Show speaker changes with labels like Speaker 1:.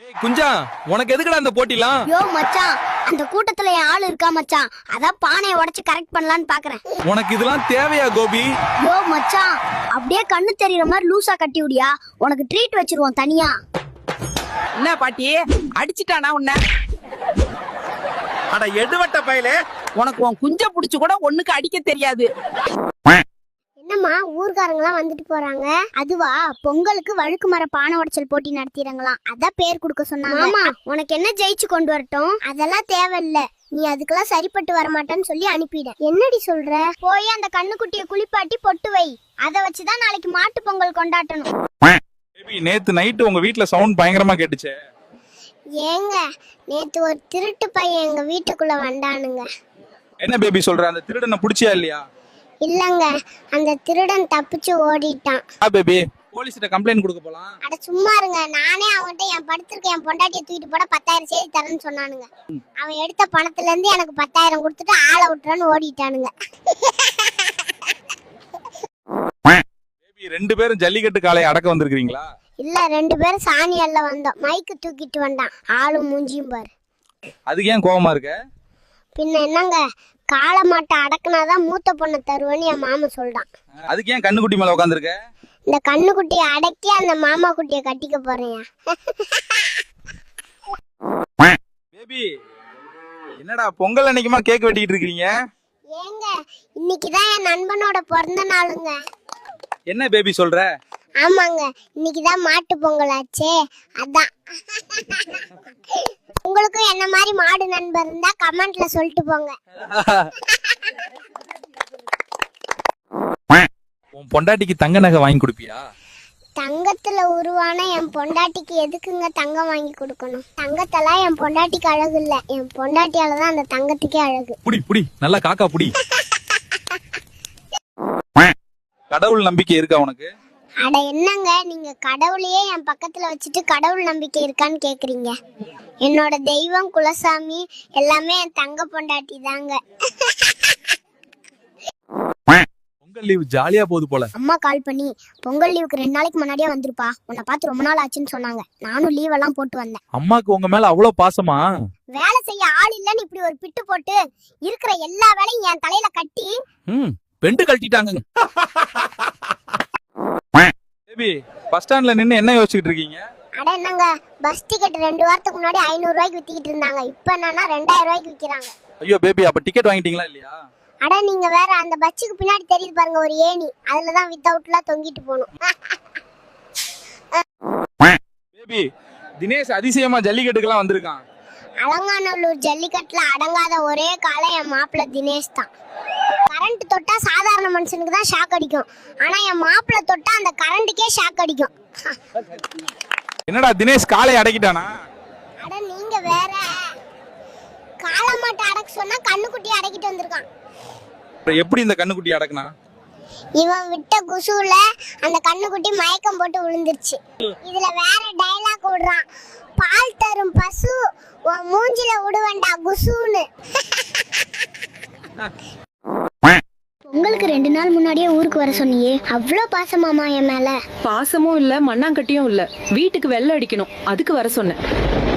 Speaker 1: குஞ்சா, உனக்கு எதுக்குடா அந்த போட்டிலாம்?
Speaker 2: யோ மச்சான், அந்த கூட்டத்துல என் ஆளு இருக்கா மச்சான், அதான் பானையை உடைச்சு கரெக்ட் பண்ணலான்னு பாக்குறேன்.
Speaker 1: உனக்கு இதெல்லாம் தேவையா கோபி?
Speaker 2: யோ மச்சான், அப்படியே கண்ணு தெரியற மாதிரி லூசா கட்டி விடியா, உனக்கு ட்ரீட் வச்சிருவோம் தனியா.
Speaker 3: என்ன பாட்டி அடிச்சிட்டானா உன்ன?
Speaker 4: அட எடுவட்ட பயலே,
Speaker 3: உனக்கு உன் குஞ்ச புடிச்சு கூட ஒண்ணுக்கு அடிக்க தெரியாது.
Speaker 2: என்னம்மா ஊர்காரங்களாம் வந்துட்டு போறாங்க? அதுவா, பொங்கலுக்கு வழுக்கு மர பானை உடைச்சல் போட்டி நடத்திடுங்களாம், அதான் பேர் கொடுக்க சொன்னாங்க. ஆமா, உனக்கு என்ன ஜெயிச்சு கொண்டு வரட்டும்? அதெல்லாம் தேவையில்ல, நீ அதுக்கெல்லாம் சரிப்பட்டு வரமாட்டேன்னு சொல்லி அனுப்பிட. என்னடி சொல்ற? போய் அந்த கண்ணுக்குட்டிய குளிப்பாட்டி பொட்டு வை, அத வச்சுதான் நாளைக்கு மாட்டு பொங்கல் கொண்டாடணும்.
Speaker 1: பேபி, நேத்து நைட்டு உங்க வீட்ல சவுண்ட் பயங்கரமா கேட்டுச்சே.
Speaker 2: ஏங்க, நேத்து ஒரு திருட்டு பையன் எங்க வீட்டுக்குள்ள வந்தானுங்க.
Speaker 1: என்ன பேபி சொல்ற? அந்த திருடனை புடிச்சியா இல்லையா?
Speaker 2: இல்லங்க, அந்த திருடன் தப்பிச்சு ஓடிட்டான்.
Speaker 1: பேபி, போலீஸ்கிட்ட கம்ப்ளைண்ட் கொடுக்க போலாம்.
Speaker 2: அட சும்மா இருங்க, நானே அவன்கிட்ட என் படுத்திருக்க என் பொண்டாட்டியை தூக்கிட்டு போட 10,000 செய்தி தரேன்னு சொன்னானுங்க. அவன் எடுத்த பணத்துல இருந்து எனக்கு 10,000 கொடுத்துட்டு ஆளை விட்டுறான்னு ஓடிட்டானுங்க.
Speaker 1: பேபி, 2 பேரும் ஜல்லிக்கட்டு காளையை அடக்க வந்திருக்கீங்களா?
Speaker 2: இல்ல, 2 பேரும் சாணி அள்ள வந்தோம். மைக்கு தூக்கிட்டு வந்தான், ஆளும் மூஞ்சியும் பாரு.
Speaker 1: அதுக்கு ஏன் கோவமா இருக்க?
Speaker 2: பின்ன என்னங்க, காளை மாட்டை அடக்குனாதான் மூத்த பொண்ணை தருவேன்னு என் மாமா சொல்றான்.
Speaker 1: அதுக்கு ஏன் கண்ணுக்குட்டி மேல உட்காந்துருக்க?
Speaker 2: இந்த கண்ணுக்குட்டியை அடக்கி அந்த மாமா குட்டியை கட்டிக்க போறேன்.
Speaker 1: பேபி, என்னடா பொங்கல் அன்னைக்குமா கேக் வெட்டிட்டு இருக்கீங்க?
Speaker 2: ஏங்க, இன்னைக்குதான் என் நண்பனோட பிறந்த நாளுங்க.
Speaker 1: என்ன பேபி சொல்ற?
Speaker 2: ஆமாங்க, இன்னைக்குதான் மாட்டு பொங்கல் ஆச்சே, அதான். உங்களுக்கும் என்ன மாதிரி மாடு நண்பர் இருந்தா கமெண்ட்ல சொல்லிட்டு போங்க.
Speaker 1: உன் பொண்டாட்டிக்கு தங்க நகை வாங்கி கொடுப்பியா?
Speaker 2: தங்கத்துல உருவான என் பொண்டாட்டிக்கு எதுக்குங்க தங்கம் வாங்கி கொடுக்கணும்? தங்கத்தெல்லாம் என் பொண்டாட்டிக்கு அழகு இல்ல, என் பொண்டாட்டியாலதான் அந்த தங்கத்துக்கே அழகு.
Speaker 1: புடி புடி, நல்லா காக்கா புடி. கடவுள் நம்பிக்கை இருக்கா உனக்கு?
Speaker 2: அட என்னங்க, நீங்க கடவுளையே என் பக்கத்துல வச்சுட்டு கடவுள் நம்பிக்கை இருக்கான்னு கேக்குறீங்க? என்னோட தெய்வம் குலசாமி எல்லாமே என் தங்க பொண்டாட்டி தாங்க.
Speaker 1: பொங்கல் லீவ் ஜாலியா போகுது போல.
Speaker 2: அம்மா கால் பண்ணி பொங்கல் லீவுக்கு 2 நாளைக்கு முன்னாடியே வந்துருப்பா, உன்னை பார்த்து ரொம்ப நாள் ஆச்சுன்னு சொன்னாங்க. நானும் லீவ் எல்லாம் போட்டு வந்தேன்.
Speaker 1: அம்மாக்கு உங்க மேல அவ்வளவு பாசமா?
Speaker 2: வேலை செய்ய ஆள் இல்லன்னு இப்படி ஒரு பிட்டு போட்டு இருக்கிற எல்லா வேலையும் என் தலையில கட்டி
Speaker 1: பெண்டு கழட்டிட்டாங்க. பேபி, பஸ் ஸ்டாண்ட்ல நின்னு என்ன யோசிச்சுட்டு இருக்கீங்க?
Speaker 2: அட என்னங்க, பஸ் டிக்கெட் 2 வாரத்துக்கு முன்னாடி 500 ரூபாய்க்கு வித்திக்கிட்டு இருந்தாங்க, இப்ப என்னன்னா 2000 ரூபாய்க்கு விக்கிறாங்க.
Speaker 1: ஐயோ பேபி, அப்ப டிக்கெட் வாங்கிட்டீங்களா இல்லையா?
Speaker 2: அட நீங்க வேற, அந்த பஸ்ஸுக்கு பின்னாடி தெரியுது பாருங்க ஒரு ஏணி, அதுலதான் வித்தவுட்லாம் தொங்கிட்டு போகணும்.
Speaker 1: பேபி, தினேஷ் அதிசயமா ஜல்லிக்கட்டுக்கெல்லாம் வந்திருக்கான்.
Speaker 2: அலங்காநல்லூர் ஜல்லிக்கட்டுல அடங்காத ஒரே காலம் என் மாப்பிள்ள தினேஷ் தான். கரண்ட் தொட்டா சாதாரண மனுஷனுக்கு தான் ஷாக் அடிக்கும், ஆனா என் மாப்பிள்ள தொட்டா அந்த கரண்ட்டுக்கே ஷாக் அடிக்கும்.
Speaker 1: என்னடா தினேஷ் காலை அடக்கிட்டானா?
Speaker 2: அட நீங்க வேற, காளை மாட்டை அடக்க சொன்னா கண்ணுக்குட்டி அடக்கிட்டு வந்திருக்கான்.
Speaker 1: எப்படி இந்த கண்ணுக்குட்டி அடக்குனா?
Speaker 2: இவன் விட்ட குசுல அந்த கண்ணுக்குட்டி மயக்கம் போட்டு விழுந்துருச்சு. இதுல வேற டைலாக் விடுறான், பால் தரும் பசு உன் மூஞ்சில விடுவேண்டா குசுன்னு. உங்களுக்கு 2 நாள் முன்னாடியே ஊருக்கு வர சொன்னியே, அவ்வளோ பாசமாமா என் மேல?
Speaker 5: பாசமும் இல்ல, மண்ணாங்கட்டியும் இல்ல, வீட்டுக்கு வெள்ளை அடிக்கணும், அதுக்கு வர சொன்னேன்.